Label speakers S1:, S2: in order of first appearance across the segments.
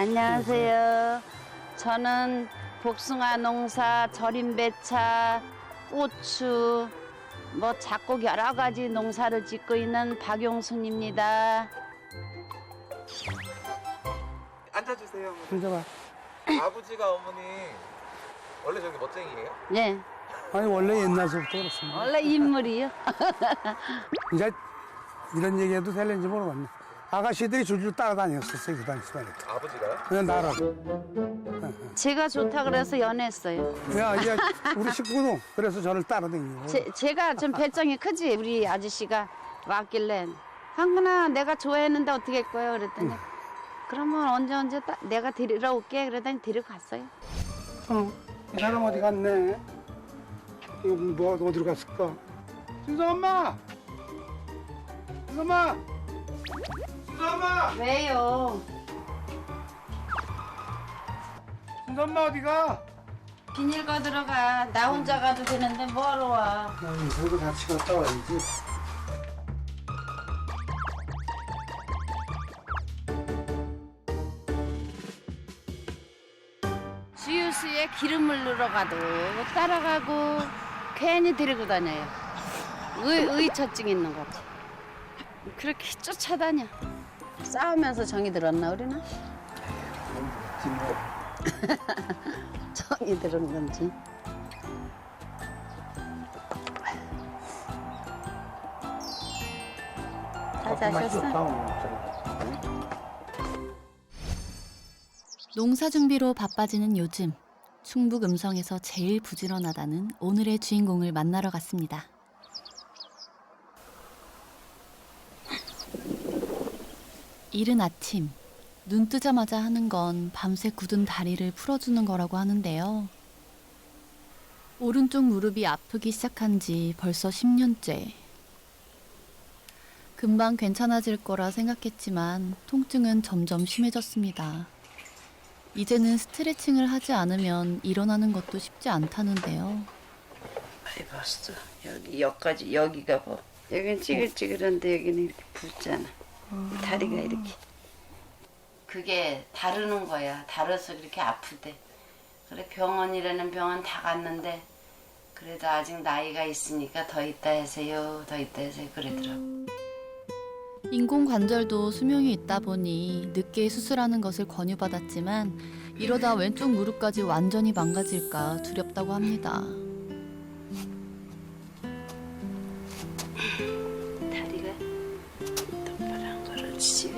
S1: 안녕하세요. 저는 복숭아 농사, 절임 배차, 고추, 작곡 여러 가지 농사를 짓고 있는 박용순입니다.
S2: 앉아주세요. 어머니.
S3: 앉아봐.
S2: 아버지가 어머니 원래 저기 멋쟁이에요?
S1: 네,
S3: 아니 원래 옛날서부터 그렇습니다.
S1: 원래 인물이요.
S3: 이제 이런 얘기해도 될는지 모르겠네. 아가씨들이 줄줄 따라다녔었어요 그 당시 말이야.
S2: 아버지가요?
S3: 그냥 나라고.
S1: 제가 좋다 그래서 연애했어요.
S3: 야 이제 우리 식구도 그래서 저를 따라다니고.
S1: 제가 좀 배짱이 크지. 우리 아저씨가 왔길래 황근아 내가 좋아했는데 어떻게 할 거예요? 그랬더니 그러면 언제 내가 데리러 올게. 그러더니 데리고 갔어요.
S3: 이 사람 어디 갔네? 이거 뭐 어디로 갔을까? 순서 엄마! 순서 엄마! 순서 엄마!
S1: 왜요?
S3: 순서 엄마 어디가?
S1: 비닐 거 들어가. 나 혼자 가도 되는데 뭐하러 와?
S3: 나 인서도 같이 갔다 와야지.
S1: 주유소에 기름을 넣으러 가도 따라가고 괜히 데리고 다녀요. 의처증 있는 거지. 그렇게 쫓아다녀. 싸우면서 정이 들었나 우리는? 정이 들은 건지. 다 자셨어?
S4: 농사 준비로 바빠지는 요즘, 충북 음성에서 제일 부지런하다는 오늘의 주인공을 만나러 갔습니다. 이른 아침, 눈 뜨자마자 하는 건 밤새 굳은 다리를 풀어주는 거라고 하는데요. 오른쪽 무릎이 아프기 시작한 지 벌써 10년째. 금방 괜찮아질 거라 생각했지만 통증은 점점 심해졌습니다. 이제는 스트레칭을 하지 않으면 일어나는 것도 쉽지 않다는데요.
S1: 많이 봤어. 여기까지 여기가 뭐 여기는 찌글찌글한데 여기는 이렇게 붓잖아. 다리가 이렇게. 그게 다르는 거야. 다뤄서 그렇게 아프대. 그래 병원이라는 병원 다 갔는데 그래도 아직 나이가 있으니까 더 있다 하세요. 더 있다 하세요. 그러더라고.
S4: 인공관절도 수명이 있다 보니 늦게 수술하는 것을 권유받았지만 이러다 왼쪽 무릎까지 완전히 망가질까 두렵다고 합니다.
S1: 다리가 똑바로 안 걸어지지.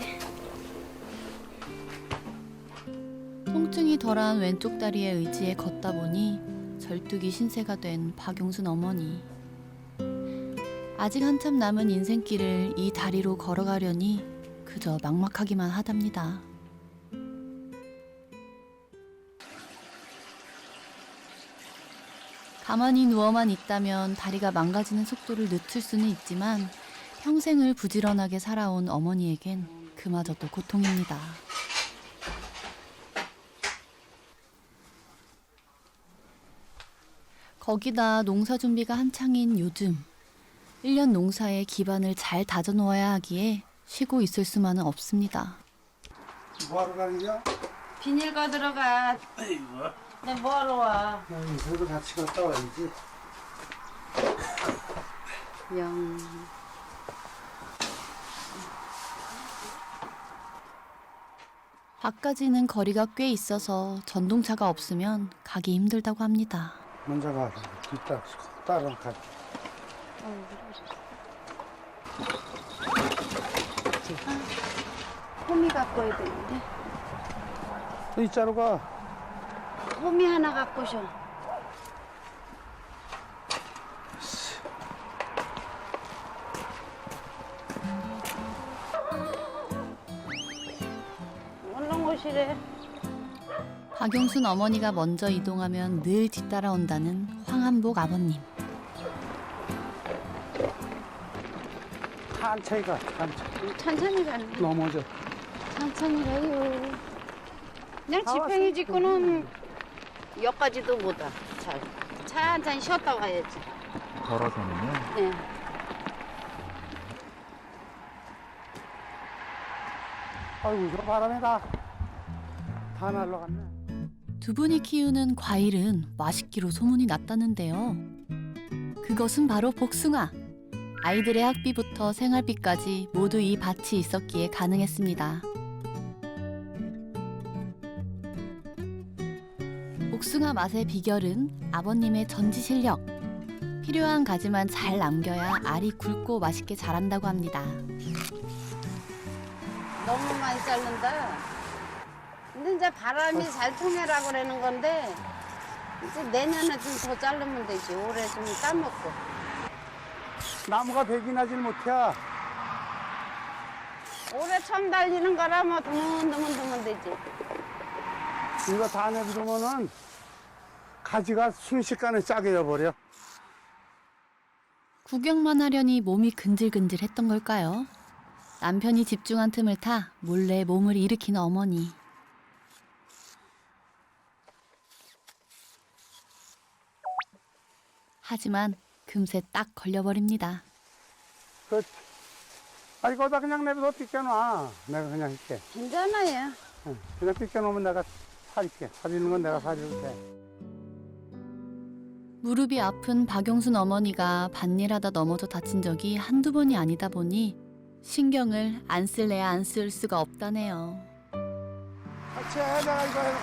S4: 통증이 덜한 왼쪽 다리의 의지에 걷다 보니 절뚝이 신세가 된 박용순 어머니. 아직 한참 남은 인생길을 이 다리로 걸어가려니 그저 막막하기만 하답니다. 가만히 누워만 있다면 다리가 망가지는 속도를 늦출 수는 있지만 평생을 부지런하게 살아온 어머니에겐 그마저도 고통입니다. 거기다 농사 준비가 한창인 요즘 1년 농사의 기반을 잘 다져놓아야 하기에 쉬고 있을 수만은 없습니다.
S3: 뭐하러 가느냐?
S1: 비닐 거 들어가.
S3: 아이고.
S1: 내 뭐하러 와?
S3: 나 인서도 같이 갔다 와야지.
S1: 영.
S4: 밖까지는 거리가 꽤 있어서 전동차가 없으면 가기 힘들다고 합니다.
S3: 먼저 가. 따라가.
S1: 호미 갖고 와야 되는데.
S3: 이 자로 가.
S1: 호미 하나 갖고 오셔. 얼른 오시래.
S4: 박용순 어머니가 먼저 이동하면 늘 뒤따라온다는 황한복 아버님.
S3: 천천히 가. 천천히.
S1: 천천히 가는 거.
S3: 넘어져.
S1: 천천히 가요. 그냥
S3: 다
S1: 지팡이
S3: 왔어.
S1: 짚고는 여기까지도 못 와. 잘. 천천히 쉬었다 가야지.
S2: 걸어서는요?
S1: 네.
S3: 아이고 저 바람에다. 다 날라갔네.
S4: 두 분이 키우는 과일은 맛있기로 소문이 났다는데요. 그것은 바로 복숭아. 아이들의 학비부터 생활비까지 모두 이 밭이 있었기에 가능했습니다. 복숭아 맛의 비결은 아버님의 전지 실력. 필요한 가지만 잘 남겨야 알이 굵고 맛있게 자란다고 합니다.
S1: 너무 많이 자른다. 근데 이제 바람이 잘 통해라 그러는 건데 이제 내년에 좀 더 자르면 되지. 올해 좀 따먹고.
S3: 나무가 백이 나질 못해.
S1: 올해 처음 달리는 거라 뭐 드문드문 되지.
S3: 이거 다 내두면은 가지가 순식간에 짜게 져버려.
S4: 구경만 하려니 몸이 근질근질했던 걸까요? 남편이 집중한 틈을 타 몰래 몸을 일으키는 어머니. 하지만 금세 딱 걸려버립니다.
S3: 그렇지. 아, 이거다 그냥 내버려 삐껴놔. 내가 그냥 할게.
S1: 괜찮아요.
S3: 응. 그냥 삐껴놓으면 내가 사릴게. 사리는 건 내가 사릴게.
S4: 무릎이 아픈 박용순 어머니가 밭일하다 넘어져 다친 적이 한두 번이 아니다 보니 신경을 안 쓸래야 안 쓸 수가 없다네요.
S3: 같이 해. 내가 이거 해놓고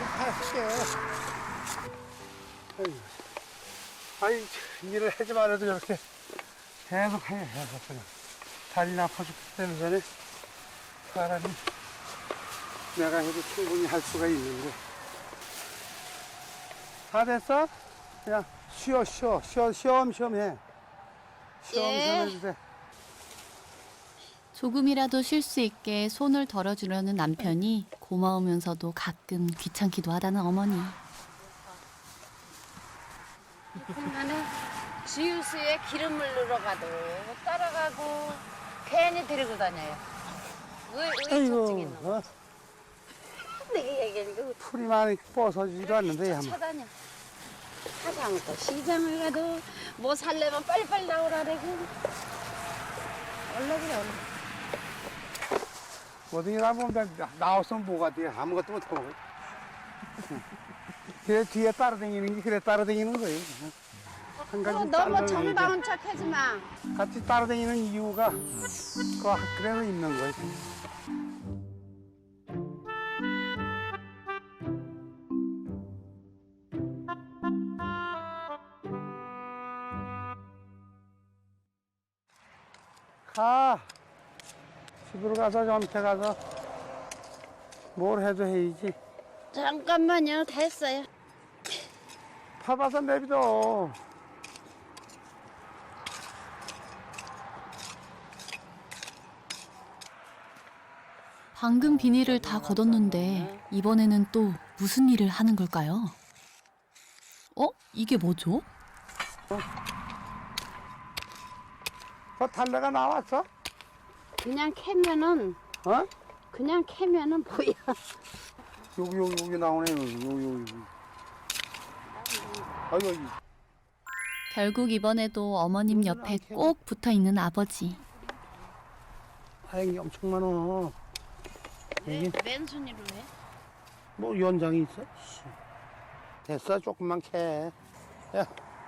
S3: 할게. 아니, 일을 하지 말아도 이렇게 계속 해. 그냥. 다리나 아파 죽기 전에 사람이 내가 해도 충분히 할 수가 있는데. 다 됐어? 그냥 쉬엄쉬엄 해. 쉬엄쉬엄 해도 돼.
S4: 조금이라도 쉴 수 있게 손을 덜어주려는 남편이 고마우면서도 가끔 귀찮기도 하다는 어머니.
S1: 보면은 지우스에 기름을 넣어가도 따라가고 괜히 데리고 다녀요. 의처증 있는 거. 내가 얘기하니까
S3: 풀이 많이 뻗어지지도 않는데 한번.
S1: 쳐다녀. 하장도 시장을 가도 뭐 살려면 빨리빨리 나오라 그러고. 얼른 그래 얼른.
S3: 뭐든지 나보면 나왔으면 뭐가 돼. 아무것도 못하고. 그래 뒤에 따라다니는 게 그래 따라다니는 거예요. 한 가지
S1: 너무
S3: 따라다니는
S1: 정다운 척 하지 마.
S3: 같이 따라다니는 이유가 그 학교에서 있는 거지. 가. 집으로 가서 점태 가서 뭘 해도 해야지.
S1: 잠깐만요. 됐어요.
S3: 파봐서 내비둬.
S4: 방금 비닐을 다 걷었는데 이번에는 또 무슨 일을 하는 걸까요? 이게 뭐죠?
S3: 그 달래가 나왔어?
S1: 그냥 캐면은
S3: 어?
S1: 그냥 캐면은 보여.
S3: 여기 나오네. 여기. 여기.
S4: 결국 이번에도 어머님 옆에 꼭 붙어 있는 아버지.
S3: 다행히 엄청 많아. 여기
S1: 맨손으로 해?
S3: 뭐 연장이 있어? 씨. 됐어, 조금만 캐. 야.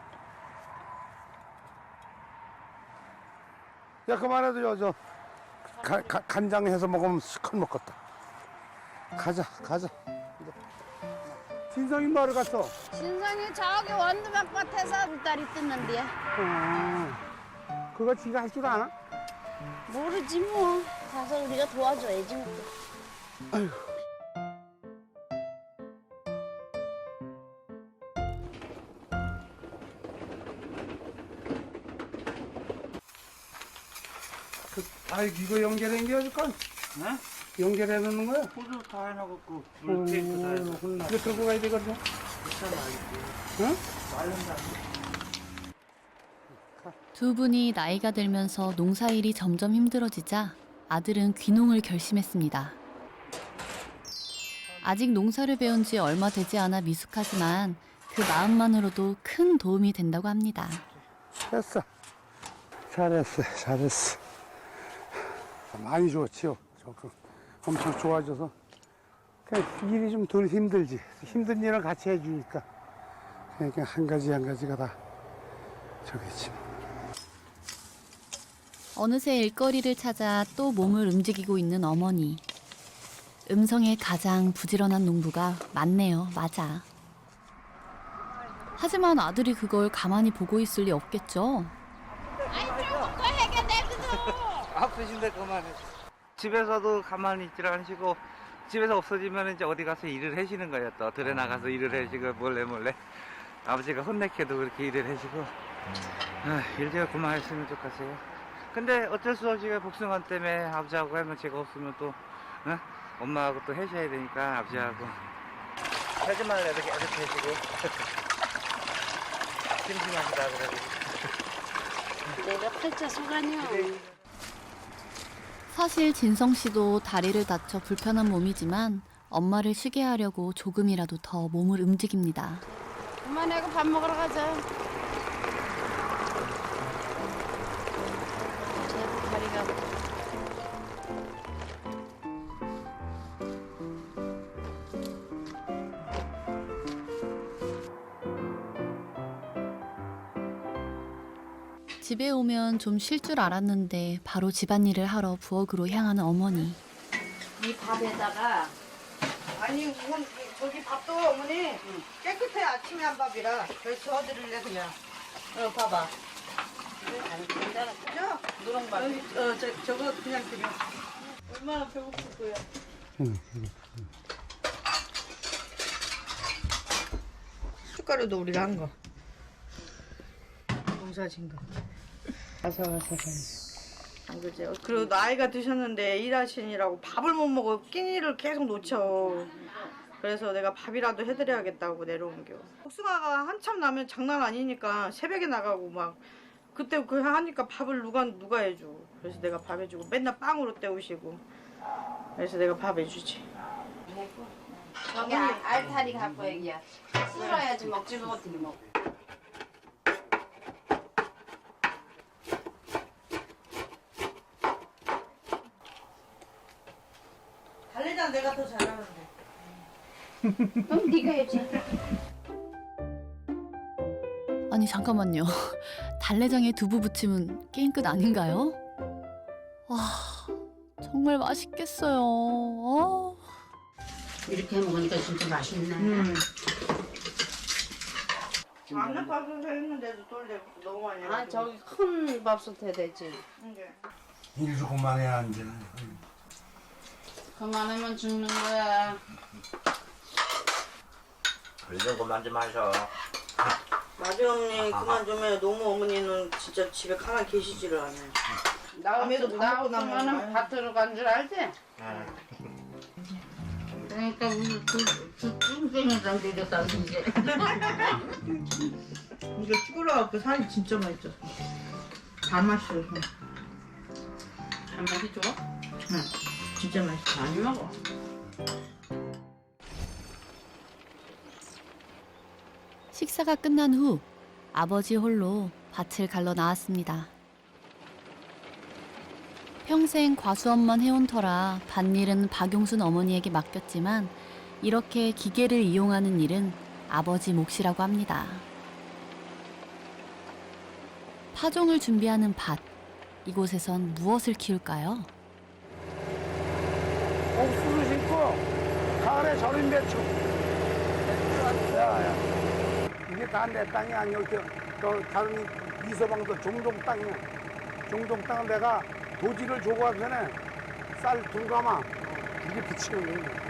S3: 야, 그만해도 저 간장 해서 먹으면 시컷 먹겠다. 가자. 진성이 뭐하러 갔어?
S1: 신성이 저기 원두막 밭에서 물다리 뜯는데.
S3: 그거 지가 할 줄 아나?
S1: 모르지 뭐. 가서 우리가 도와줘야지 뭐.
S3: 이거 연결해 줄까?
S2: 네?
S3: 연결해 놓는 거야?
S2: 호주 다 해놔갖고 물 테이프 다 해서
S3: 이거 들고 가야 되거든. 응?
S2: 말른다.
S4: 두 분이 나이가 들면서 농사일이 점점 힘들어지자 아들은 귀농을 결심했습니다. 아직 농사를 배운 지 얼마 되지 않아 미숙하지만 그 마음만으로도 큰 도움이 된다고 합니다.
S3: 됐어. 잘했어. 많이 좋지요. 엄청 좋아져서 그러니까 일이 좀 덜 힘들지. 힘든 일을 같이 해주니까. 그러니까 한 가지 한 가지가 다 저기지.
S4: 어느새 일거리를 찾아 또 몸을 움직이고 있는 어머니. 음성의 가장 부지런한 농부가 맞네요. 맞아. 하지만 아들이 그걸 가만히 보고 있을 리 없겠죠.
S2: 아프신데 그만해. 집에서도 가만히 있질 않으시고 집에서 없어지면 이제 어디 가서 일을 하시는 거예요. 또 들에 나가서 일을 하시고 몰래 아버지가 혼내켜도 그렇게 일을 하시고 일 제가 그만했으면 좋겠어요. 근데 어쩔 수 없이 복숭아 때문에 아버지하고 하면 제가 없으면 또 엄마하고 또 하셔야 되니까 아버지하고 하지 말래 이렇게 하시고 심심하시다 그래도
S1: 내가 팔자 속아니요.
S4: 사실 진성 씨도 다리를 다쳐 불편한 몸이지만 엄마를 쉬게 하려고 조금이라도 더 몸을 움직입니다.
S1: 그만하고 밥 먹으러 가자. 제 다리가
S4: 집에 오면 좀 쉴 줄 알았는데 바로 집안일을 하러 부엌으로 향하는 어머니.
S1: 이 밥에다가
S5: 아니 우선 저기 밥도 어머니 깨끗해. 아침에 한 밥이라 그래서 저어드릴래 그냥. 봐봐.
S1: 괜찮아.
S5: 그죠?
S1: 누룽밥.
S5: 저거 그냥 드려. 얼마나 배고플 거야. 숟가루도 우리가 한 거. 농사진 거. 아삭아삭하니. 그죠? 그리고 나이가 드셨는데 일하시느라고 밥을 못 먹어. 끼니를 계속 놓쳐. 그래서 내가 밥이라도 해드려야겠다고 내려온 겨. 복숭아가 한참 나면 장난 아니니까 새벽에 나가고 막 그때 그 하니까 밥을 누가 해줘. 그래서 내가 밥 해주고 맨날 빵으로 때우시고. 그래서 내가 밥 해주지.
S1: 저기 알타리 갖고 얘기야. 쓸어야지 먹지도 못하게 먹어.
S5: 달래장 내가 더 잘하는데.
S1: 그럼 네가 해야지.
S4: 아니 잠깐만요. 달래장에 두부 부치면 게임 끝 아닌가요? 와 정말 맛있겠어요.
S1: 이렇게 먹으니까 진짜 맛있네.
S5: 안에 밥솥 했는데도 돌려 너무 많이
S1: 아
S5: 해가지고.
S1: 저기 큰 밥솥 해야 되지.
S5: 이게.
S3: 일도 그만해야 이제.
S1: 그만하면 죽는 거야.
S2: 이런 거 만지 마셔.
S5: 맞아 어머니 그만 좀 해. 너무 어머니는 진짜 집에 가만히 계시지를 않아요. 밤에도 밥 먹고 나면
S1: 나오면은 밭으로 간 줄 알지? 그러니까 우리 그 뚱땡이랑 내렸다 이제.
S5: 이거 쭈그러갖고 살이 진짜 많이 쪘어. 다 맛있어.
S1: 한 마리 줘?
S5: 응. 진짜 맛있어.
S1: 많이 먹어.
S4: 식사가 끝난 후 아버지 홀로 밭을 갈러 나왔습니다. 평생 과수원만 해온 터라 밭일은 박용순 어머니에게 맡겼지만 이렇게 기계를 이용하는 일은 아버지 몫이라고 합니다. 파종을 준비하는 밭, 이곳에선 무엇을 키울까요?
S3: 옥수수 심고 가을에 절인 배추. 야. 이게 다 내 땅이 아니고 저 다른 이서방도 종종 땅이야. 종종 땅을 내가 도지를 주고 하기 전에 쌀 둔가마 이게 붙이는 거예요.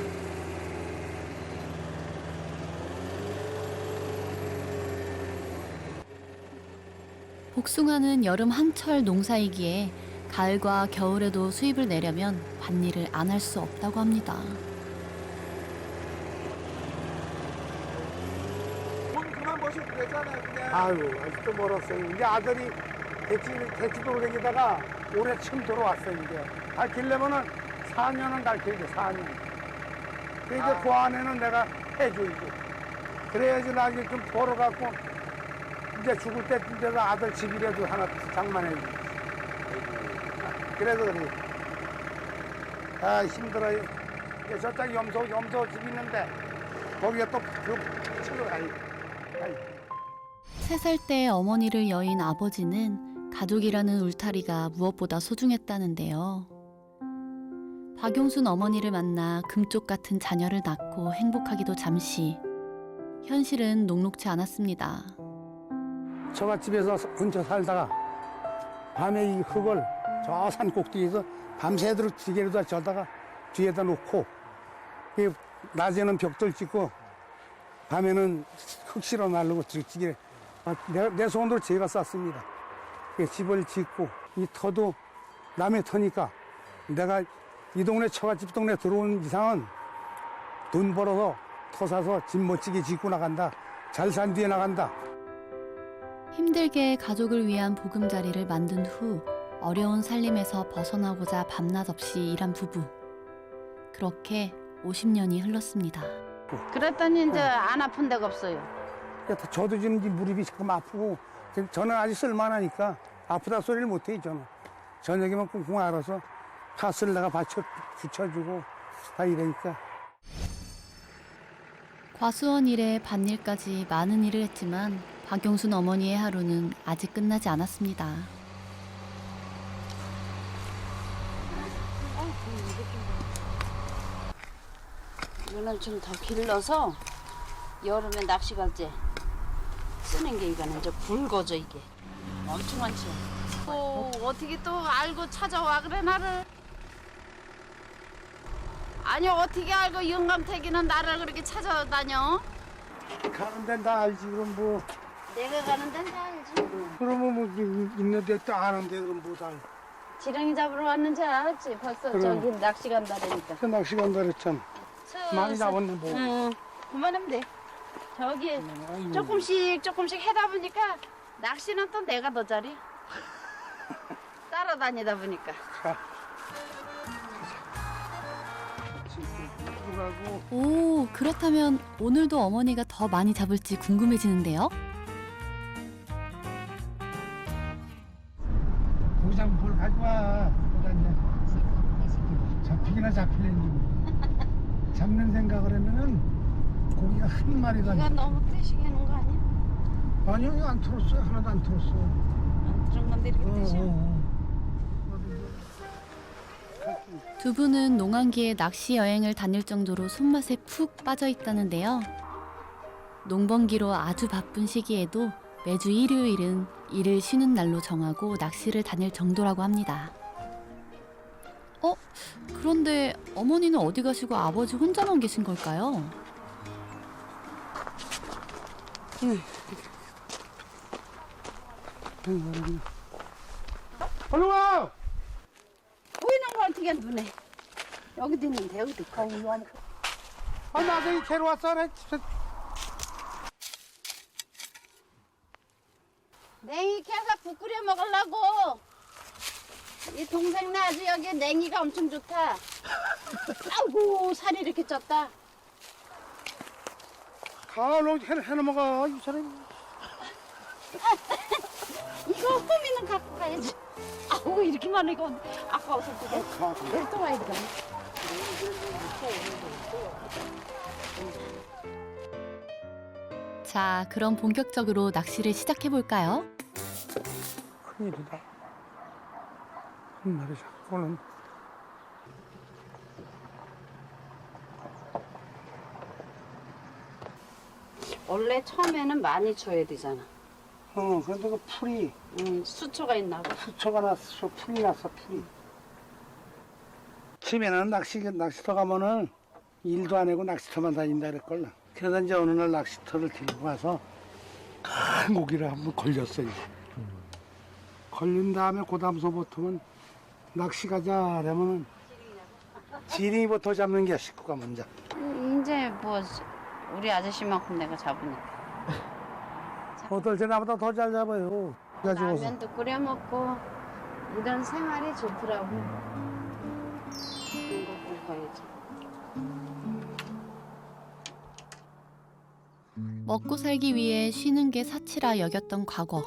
S4: 복숭아는 여름 한철 농사이기에 가을과 겨울에도 수입을 내려면 밭일을 안 할 수 없다고 합니다.
S3: 돈 그만 버시면 되잖아요, 그냥. 아유, 아직도 멀었어요. 이제 아들이 대치도로 다니다가 올해 처음 들어왔어요, 이제. 가르치려면은 4년은 가르쳐야죠, 4년. 근데 이제 그 안에는 내가 해줘야지. 그래야지 나중에 좀 벌어갖고 이제 죽을 때쯤 아들 집이라도 하나 장만해야지. 그래서 그래. 아, 힘들어요. 저쪽 염소 집 있는데 거기에 또그 치러 가요.
S4: 3살 때 어머니를 여인 아버지는 가족이라는 울타리가 무엇보다 소중했다는데요. 박용순 어머니를 만나 금쪽 같은 자녀를 낳고 행복하기도 잠시 현실은 녹록지 않았습니다.
S3: 처갓집에서 혼자 살다가 밤에 이 흙을 저 산 꼭대기에서 밤새도록 지게로다 저다가 뒤에다 놓고 낮에는 벽돌 찍고 밤에는 흙 실어 날르고 지게 내 손으로 제가 쌌습니다. 집을 짓고 이 터도 남의 터니까 내가 이 동네 처갓집 동네 들어온 이상은 돈 벌어서 터 사서 집 멋지게 짓고 나간다. 잘 산 뒤에 나간다.
S4: 힘들게 가족을 위한 보금자리를 만든 후 어려운 살림에서 벗어나고자 밤낮 없이 일한 부부. 그렇게 50년이 흘렀습니다.
S1: 그랬더니 이제 안 아픈 데가 없어요.
S3: 저도 지금 이 무릎이 자꾸 아프고 저는 아직 쓸만하니까 아프다 소리를 못해요. 저는 저녁에만 꽁꽁 알아서 파스를 내가 붙여주고 다 이러니까.
S4: 과수원 일에 밭일까지 많은 일을 했지만 박용순 어머니의 하루는 아직 끝나지 않았습니다.
S1: 이거는 좀 더 길러서 여름에 낚시 갈 때 쓰는 게 이거는 이제 굵어져 이게 엄청 많지. 어떻게 또 알고 찾아와 그래 나를? 아니 어떻게 알고 영감태기는 나를 그렇게 찾아다녀?
S3: 가는 데는 다 알지. 그럼 뭐
S1: 내가 가는 데는 다 알지.
S3: 그러면 뭐 있는데 또 아는데 그럼 뭐 다 알지.
S1: 지렁이 잡으러 왔는지 알았지 벌써.
S3: 그럼.
S1: 저기 낚시 간다니까.
S3: 그 낚시 간다 그랬잖아. 많이 잡았네 뭐.
S1: 응, 그만하면 돼. 저기
S3: 아이고.
S1: 조금씩 해다 보니까 낚시는 또 내가 더 잘해. 따라다니다 보니까.
S3: 들어가고
S4: 오, 그렇다면 오늘도 어머니가 더 많이 잡을지 궁금해지는데요.
S3: 고장 뭘 가져와. 거기다 이제 잡히기나 잡히는지. 잡는 생각을 하면은 고기가 한 마리가
S1: 이거 너무 뜨시게 하는 거 아니야?
S3: 아니요 이거 안 털었어요. 하나도 안 털었어.
S1: 안 들은 건데 이렇게 뜨셔.
S4: 두 분은 농한기에 낚시 여행을 다닐 정도로 손맛에 푹 빠져 있다는데요. 농번기로 아주 바쁜 시기에도 매주 일요일은 일을 쉬는 날로 정하고 낚시를 다닐 정도라고 합니다. 그런데 어머니는 어디 가시고 아버지 혼자만 계신 걸까요?
S3: 얼른 와!
S1: 보이는 거 어떻게 눈에? 여기도 있는데 여기도 거기 와.
S3: 아 나도 이 캐러 왔어. 그래.
S1: 냉이 캐서 국 끓여 먹으려고. 이 동생네 아주 여기 냉이가 엄청 좋다. 아이고 살이 이렇게 쪘다.
S3: 가로 해넘어가 이 사람이.
S1: 이거 호미는 갖고 가야지. 아우 이렇게 많아 이거 아까워서 그게. 내일 또 와야 돼.
S4: 자, 그럼 본격적으로 낚시를 시작해 볼까요?
S3: 큰일이다. 한 마리 잡고는.
S1: 원래 처음에는 많이 줘야 되잖아.
S3: 그런데 그 풀이
S1: 수초가 있나 봐.
S3: 수초가 났어. 풀이 났어. 풀이. 처음에는 낚시터 가면은 일도 안 하고 낚시터만 다닌다 그랬걸라. 그래서 이제 어느 날 낚시터를 들고 가서 큰 고기를 한번 걸렸어요. 걸린 다음에 그 다음서부터는 낚시 가자 하면은 지렁이부터 잡는 게 식구가 먼저.
S1: 이제 뭐 우리 아저씨만큼 내가 잡으니까.
S3: 어떨 때 나보다 더 잘 잡아요. 가지고서.
S1: 라면도 끓여 먹고 이런 생활이 좋더라고. 이런 거 보고 가야지.
S4: 먹고 살기 위해 쉬는 게 사치라 여겼던 과거.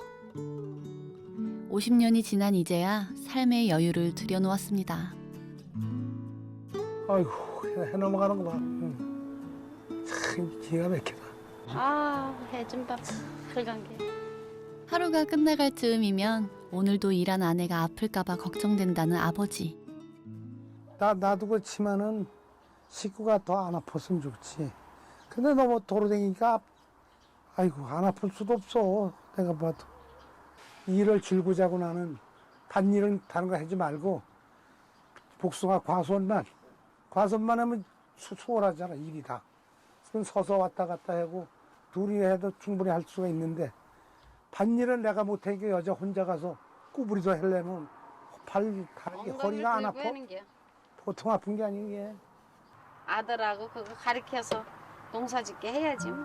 S4: 50년이 지난 이제야 삶의 여유를 들여놓았습니다.
S3: 아이고 해 넘어가는 거 봐. 응. 참 기가 막히다.
S1: 아, 해준밥 빨간 게.
S4: 하루가 끝나갈 즈음이면 오늘도 일한 아내가 아플까봐 걱정된다는 아버지.
S3: 나도 그렇지만은 식구가 더 안 아팠으면 좋지. 근데 너무 돌아다니니까 아이고 안 아플 수도 없어. 내가 봐도 일을 줄고 자고 나는 밭일은 다른 거 하지 말고 복숭아 과수원만 하면 수월하잖아 일이 다. 그건 서서 왔다 갔다 하고 둘이 해도 충분히 할 수가 있는데 밭일은 내가 못하니까 여자 혼자 가서 꾸부리도 하려면 다리 허리가 안 아파? 보통 아픈 게 아닌 게.
S1: 아들하고 그거 가르쳐서 농사짓게 해야지 뭐.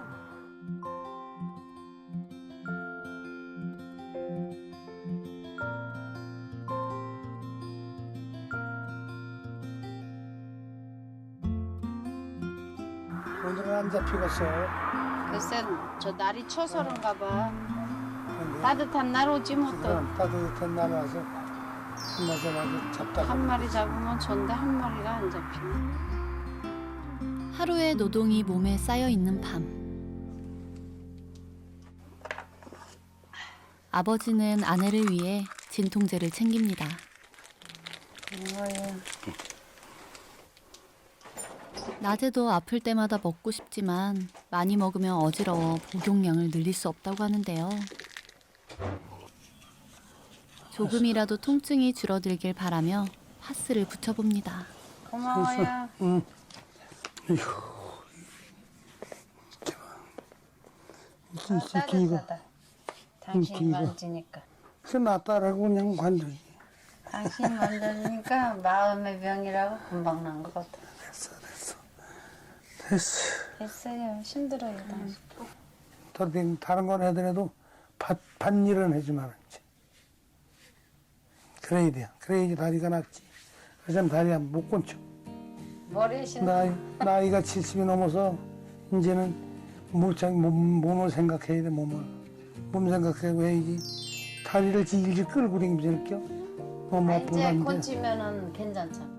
S3: 오늘은 안 잡히겠어.
S1: 글쎄 저 날이 쳐서 그런가 봐.
S3: 근데
S1: 따뜻한 날 오지 뭐 또.
S3: 그럼 따뜻한 날 와서 한마디마저 잡다가
S1: 한 마리 잡으면 좋은데 한 마리가 안 잡히네.
S4: 하루의 노동이 몸에 쌓여 있는 밤. 아버지는 아내를 위해 진통제를 챙깁니다. 낮에도 아플 때마다 먹고 싶지만 많이 먹으면 어지러워 복용량을 늘릴 수 없다고 하는데요. 조금이라도 통증이 줄어들길 바라며 파스를 붙여봅니다.
S1: 고마워요.
S3: 응. 이거
S1: 따뜻하다. 당신이
S3: 이거.
S1: 만지니까.
S3: 그 낫다라고 그냥 관두지.
S1: 당신이 만져주니까 마음의 병이라고 금방 난 것 같아.
S3: 됐어.
S1: 됐어요. 힘들어요. 당신.
S3: 다른 건 하더라도 밭일은 하지 말았지. 그래야 돼. 그래야지 다리가 낫지. 그래서 다리가 못 건쳐.
S1: 머리에 신
S3: 나이가 70이 넘어서 이제는 몸을 생각해야 돼. 몸 생각하고 해야지. 다리를 질질 끌고 다니면서 이렇게 너무
S1: 이제
S3: 아프는데
S1: 건치면은 괜찮잖아.